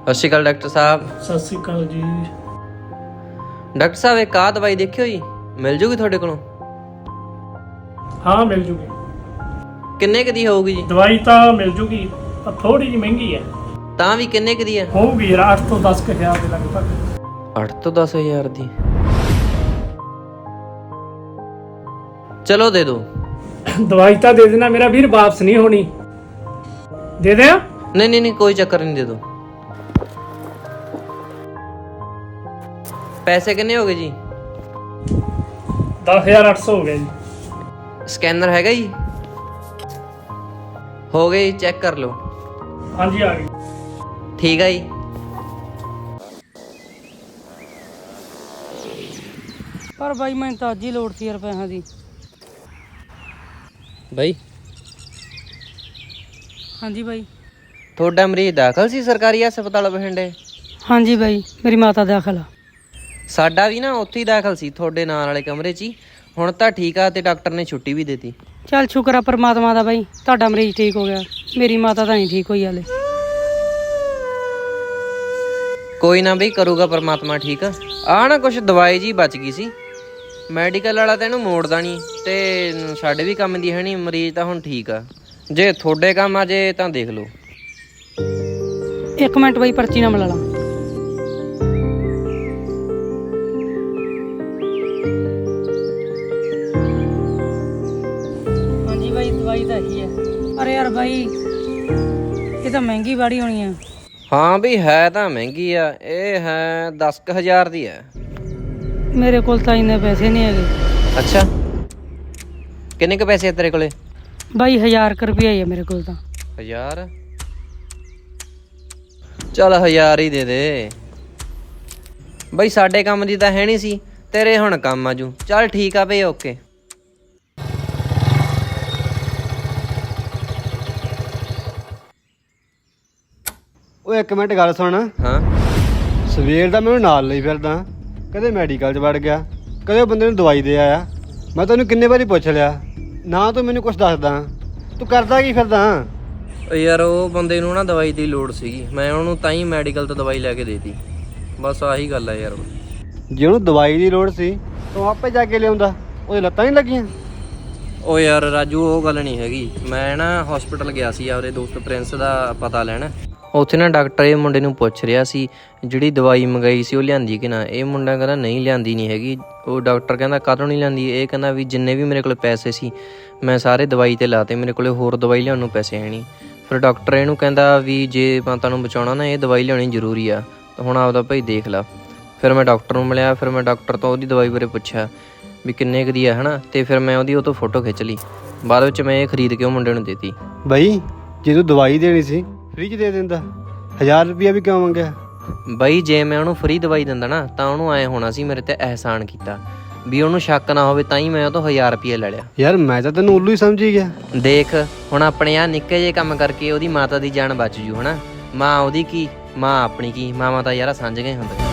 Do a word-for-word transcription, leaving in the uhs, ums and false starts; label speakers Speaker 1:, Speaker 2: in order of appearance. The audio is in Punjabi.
Speaker 1: ਸਤਿ ਸ਼੍ਰੀ ਅਕਾਲ ਡਾਕਟਰ ਸਾਹਿਬ।
Speaker 2: ਸਤਿ ਸ਼੍ਰੀ ਅਕਾਲ ਜੀ।
Speaker 1: ਡਾਕਟਰ ਸਾਹਿਬ ਇੱਕ ਆਹ ਦਵਾਈ ਦੇਖਿਓ ਜੀ, ਮਿਲ ਜੂਗੀ ਤੁਹਾਡੇ ਕੋਲੋਂ?
Speaker 2: ਹਾਂ ਮਿਲ ਜੂਗੀ।
Speaker 1: ਕਿੰਨੇ ਕੁ ਦੀ ਹੋਊਗੀ ਜੀ?
Speaker 2: ਦਵਾਈ ਤਾਂ ਮਿਲ ਜੂਗੀ ਪਰ ਥੋੜੀ ਜਿਹੀ ਮਹਿੰਗੀ ਹੈ।
Speaker 1: ਤਾਂ ਵੀ ਕਿੰਨੇ ਕੁ ਦੀ ਹੈ?
Speaker 2: ਹੋਊਗੀ ਯਾਰ ਅੱਠ ਤੋਂ ਦਸ ਕੁ ਹਜ਼ਾਰ ਦੇ ਲਗਭਗ।
Speaker 1: ਅੱਠ ਤੋਂ ਦਸ ਹਜ਼ਾਰ ਦੀ? ਚਲੋ ਦੇ ਦਿਓ।
Speaker 2: ਦਵਾਈ ਤਾਂ ਦੇ ਦੇਣਾ ਮੇਰਾ ਵੀਰ, ਵਾਪਸ ਨਹੀਂ ਹੋਣੀ। ਦੇ ਦਿਆਂ?
Speaker 1: ਨਹੀਂ ਨਹੀਂ ਨਹੀਂ ਕੋਈ ਚੱਕਰ ਨਹੀਂ, ਦੇ ਦਿਓ। ਪੈਸੇ ਕਿੰਨੇ ਹੋ ਗਏ ਜੀ?
Speaker 2: ਦਸ ਹਜ਼ਾਰ ਅੱਠ ਸੌ ਹੋ ਗਿਆ ਜੀ।
Speaker 1: ਸਕੈਨਰ ਹੈਗਾ ਜੀ? ਹੋ ਗਏ, ਚੈੱਕ ਕਰ ਲਓ।
Speaker 2: ਹਾਂਜੀ ਆ ਗਈ।
Speaker 1: ਠੀਕ ਆ ਜੀ।
Speaker 3: ਪਰ ਬਾਈ ਮੈਨੂੰ ਤਾਂ ਅੱਜ ਹੀ ਲੋੜ ਸੀ ਯਾਰ ਪੈਸਿਆਂ ਦੀ।
Speaker 1: ਬਾਈ
Speaker 3: ਹਾਂਜੀ ਬਾਈ।
Speaker 1: ਤੁਹਾਡਾ ਮਰੀਜ਼ ਦਾਖਲ ਸੀ ਸਰਕਾਰੀ ਹਸਪਤਾਲ ਬਠਿੰਡੇ?
Speaker 3: ਹਾਂਜੀ ਬਾਈ, ਮੇਰੀ ਮਾਤਾ ਦਾਖਲ ਆ।
Speaker 1: ਸਾਡਾ ਵੀ ਨਾ ਉੱਥੇ ਹੀ ਦਾਖਲ ਸੀ, ਤੁਹਾਡੇ ਨਾਲ ਵਾਲੇ ਕਮਰੇ 'ਚ ਹੀ। ਹੁਣ ਤਾਂ ਠੀਕ ਆ ਤੇ ਡਾਕਟਰ ਨੇ ਛੁੱਟੀ ਵੀ ਦਿੱਤੀ।
Speaker 3: ਚੱਲ ਸ਼ੁਕਰ ਆ ਪਰਮਾਤਮਾ ਦਾ ਬਾਈ, ਤੁਹਾਡਾ ਮਰੀਜ਼ ਠੀਕ ਹੋ ਗਿਆ। ਮੇਰੀ ਮਾਤਾ ਤਾਂ ਨਹੀਂ ਠੀਕ ਹੋਈ ਹਾਲੇ।
Speaker 1: ਕੋਈ ਨਾ ਬਈ, ਕਰੂਗਾ ਪਰਮਾਤਮਾ ਠੀਕ। ਆ ਨਾ ਕੁਛ ਦਵਾਈ ਜੀ ਬਚ ਗਈ ਸੀ, ਮੈਡੀਕਲ ਵਾਲਾ ਤਾਂ ਇਹਨੂੰ ਮੋੜਦਾ ਨਹੀਂ ਤੇ ਸਾਡੇ ਵੀ ਕੰਮ ਦੀ ਹੈ ਨਹੀਂ। ਮਰੀਜ਼ ਤਾਂ ਹੁਣ ਠੀਕ ਆ, ਜੇ ਤੁਹਾਡੇ ਕੰਮ ਆ ਜੇ ਤਾਂ ਦੇਖ ਲਓ।
Speaker 3: ਇੱਕ ਮਿੰਟ ਬਾਈ, ਪਰਚੀ ਨਾ ਮਿਲਾ ਲਾ। ਹਾਂਜੀ ਬਾਈ, ਦਵਾਈ ਤਾਂ ਇਹੀ ਹੈ। ਅਰੇ ਯਾਰ ਬਾਈ, ਇਹ ਤਾਂ ਮਹਿੰਗੀ ਬਾੜੀ ਹੋਣੀ ਆ।
Speaker 1: ਹਾਂ ਵੀ ਹੈ ਤਾਂ ਮਹਿੰਗੀ ਆ, ਇਹ ਹੈ ਦਸ ਕੁ ਹਜ਼ਾਰ ਦੀ ਹੈ।
Speaker 3: ਮੇਰੇ ਕੋਲ ਤਾਂ ਇੰਨੇ ਪੈਸੇ ਨਹੀਂ ਹੈਗੇ।
Speaker 1: ਅੱਛਾ, ਕਿੰਨੇ ਕੁ ਪੈਸੇ ਆ ਤੇਰੇ ਕੋਲੇ?
Speaker 3: ਬਾਈ ਹਜ਼ਾਰ ਕੁ ਰੁਪਇਆ ਹੀ ਆ ਮੇਰੇ ਕੋਲ ਤਾਂ।
Speaker 1: ਹਜ਼ਾਰ? ਚੱਲ ਹਜ਼ਾਰ ਹੀ ਦੇ ਦੇ ਬਈ, ਸਾਡੇ ਕੰਮ ਦੀ ਤਾਂ ਹੈ ਨਹੀਂ ਸੀ, ਤੇਰੇ ਹੁਣ ਕੰਮ ਆਜੂ। ਚੱਲ ਠੀਕ ਆ ਬਈ, ਓਕੇ।
Speaker 4: ਉਹ ਇੱਕ ਮਿੰਟ ਗੱਲ ਸੁਣ।
Speaker 1: ਹਾਂ?
Speaker 4: ਸਵੇਰ ਦਾ ਮੈਨੂੰ ਨਾਲ ਲਈ ਫਿਰਦਾ, ਕਦੇ ਮੈਡੀਕਲ 'ਚ ਵੜ ਗਿਆ, ਕਦੇ ਉਹ ਬੰਦੇ ਨੂੰ ਦਵਾਈ ਦੇ ਆਇਆ। ਮੈਂ ਤੈਨੂੰ ਕਿੰਨੇ ਵਾਰੀ ਪੁੱਛ ਲਿਆ, ਨਾ ਤੂੰ ਮੈਨੂੰ ਕੁਛ ਦੱਸਦਾ। ਤੂੰ ਕਰਦਾ ਕੀ ਫਿਰਦਾ?
Speaker 1: ਯਾਰ ਉਹ ਬੰਦੇ ਨੂੰ ਨਾ ਦਵਾਈ ਦੀ ਲੋੜ ਸੀਗੀ, ਮੈਂ ਉਹਨੂੰ ਤਾਂ ਹੀ ਮੈਡੀਕਲ ਤੋਂ ਦਵਾਈ ਲੈ ਕੇ ਦੇਤੀ। ਬਸ ਆਹੀ ਗੱਲ ਆ ਯਾਰ।
Speaker 4: ਜੇ ਉਹਨੂੰ ਦਵਾਈ ਦੀ ਲੋੜ ਸੀ ਤੂੰ ਆਪੇ ਜਾ ਕੇ ਲਿਆਉਂਦਾ, ਉਹਦੇ ਲੱਤਾਂ ਨਹੀਂ ਲੱਗੀਆਂ?
Speaker 1: ਉਹ ਯਾਰ ਰਾਜੂ, ਉਹ ਗੱਲ ਨਹੀਂ ਹੈਗੀ। ਮੈਂ ਨਾ ਹਸਪੀਟਲ ਗਿਆ ਸੀ ਆਪਦੇ ਦੋਸਤ ਪ੍ਰਿੰਸ ਦਾ ਪਤਾ ਲੈਣ। ਉੱਥੇ ਨਾ ਡਾਕਟਰ ਇਹ ਮੁੰਡੇ ਨੂੰ ਪੁੱਛ ਰਿਹਾ ਸੀ ਜਿਹੜੀ ਦਵਾਈ ਮੰਗਾਈ ਸੀ ਉਹ ਲਿਆਂਦੀ ਕਿ ਨਾ। ਇਹ ਮੁੰਡਾ ਕਹਿੰਦਾ ਨਹੀਂ ਲਿਆਂਦੀ ਨਹੀਂ ਹੈਗੀ। ਉਹ ਡਾਕਟਰ ਕਹਿੰਦਾ ਕਾਹਤੋਂ ਨਹੀਂ ਲਿਆਂਦੀ? ਇਹ ਕਹਿੰਦਾ ਵੀ ਜਿੰਨੇ ਵੀ ਮੇਰੇ ਕੋਲ ਪੈਸੇ ਸੀ ਮੈਂ ਸਾਰੇ ਦਵਾਈ 'ਤੇ ਲਾਤੇ, ਮੇਰੇ ਕੋਲ ਹੋਰ ਦਵਾਈ ਲਿਆਉਣ ਨੂੰ ਪੈਸੇ ਹੈ ਨਹੀਂ। ਫਿਰ ਡਾਕਟਰ ਇਹਨੂੰ ਕਹਿੰਦਾ ਵੀ ਜੇ ਮਾਤਾ ਨੂੰ ਬਚਾਉਣਾ ਨਾ ਇਹ ਦਵਾਈ ਲਿਆਉਣੀ ਜ਼ਰੂਰੀ ਆ, ਤਾਂ ਹੁਣ ਆਪਦਾ ਭਾਈ ਦੇਖ ਲਾ। ਫਿਰ ਮੈਂ ਡਾਕਟਰ ਨੂੰ ਮਿਲਿਆ, ਫਿਰ ਮੈਂ ਡਾਕਟਰ ਤੋਂ ਉਹਦੀ ਦਵਾਈ ਬਾਰੇ ਪੁੱਛਿਆ ਵੀ ਕਿੰਨੇ ਕੁ ਦੀ ਆ ਹੈ ਨਾ, ਅਤੇ ਫਿਰ ਮੈਂ ਉਹਦੀ ਉਹ ਤੋਂ ਫੋਟੋ ਖਿੱਚ ਲਈ। ਬਾਅਦ ਵਿੱਚ ਮੈਂ ਇਹ ਖਰੀਦ ਕੇ ਉਹ ਮੁੰਡੇ ਨੂੰ ਦੇਤੀ।
Speaker 4: ਬਈ ਜੇ ਤੂੰ ਦਵਾਈ ਦੇਣੀ ਸੀ ਫ੍ਰੀ 'ਚ ਦੇ ਦਿੰਦਾ, ਹਜ਼ਾਰ ਰੁਪਈਆ ਵੀ ਕਿਉਂ ਮੰਗਿਆ?
Speaker 1: ਬਈ ਜੇ ਮੈਂ ਉਹਨੂੰ ਫਰੀ ਦਵਾਈ ਦਿੰਦਾ ਨਾ ਤਾਂ ਉਹਨੂੰ ਐਂ ਹੋਣਾ ਸੀ ਮੇਰੇ ਤੇ ਅਹਿਸਾਨ ਕੀਤਾ, ਵੀ ਉਹਨੂੰ ਸ਼ੱਕ ਨਾ ਹੋਵੇ, ਤਾਂ ਹੀ ਮੈਂ ਉਹ ਤੋਂ ਹਜ਼ਾਰ ਰੁਪਈਆ ਲੈ ਲਿਆ।
Speaker 4: ਯਾਰ ਮੈਂ ਤਾਂ ਤੈਨੂੰ ਉੱਲੂ ਹੀ ਸਮਝੀ ਗਿਆ।
Speaker 1: ਦੇਖ ਹੁਣ ਆਪਣੇ ਆਹ ਨਿੱਕੇ ਜਿਹੇ ਕੰਮ ਕਰਕੇ ਉਹਦੀ ਮਾਤਾ ਦੀ ਜਾਨ ਬਚ ਜੂ ਹੈ ਨਾ। ਮਾਂ ਉਹਦੀ ਕੀ, ਮਾਂ ਆਪਣੀ ਕੀ, ਮਾਵਾਂ ਤਾਂ ਯਾਰ ਸਾਂਝ ਗਏ ਹੁੰਦੇ।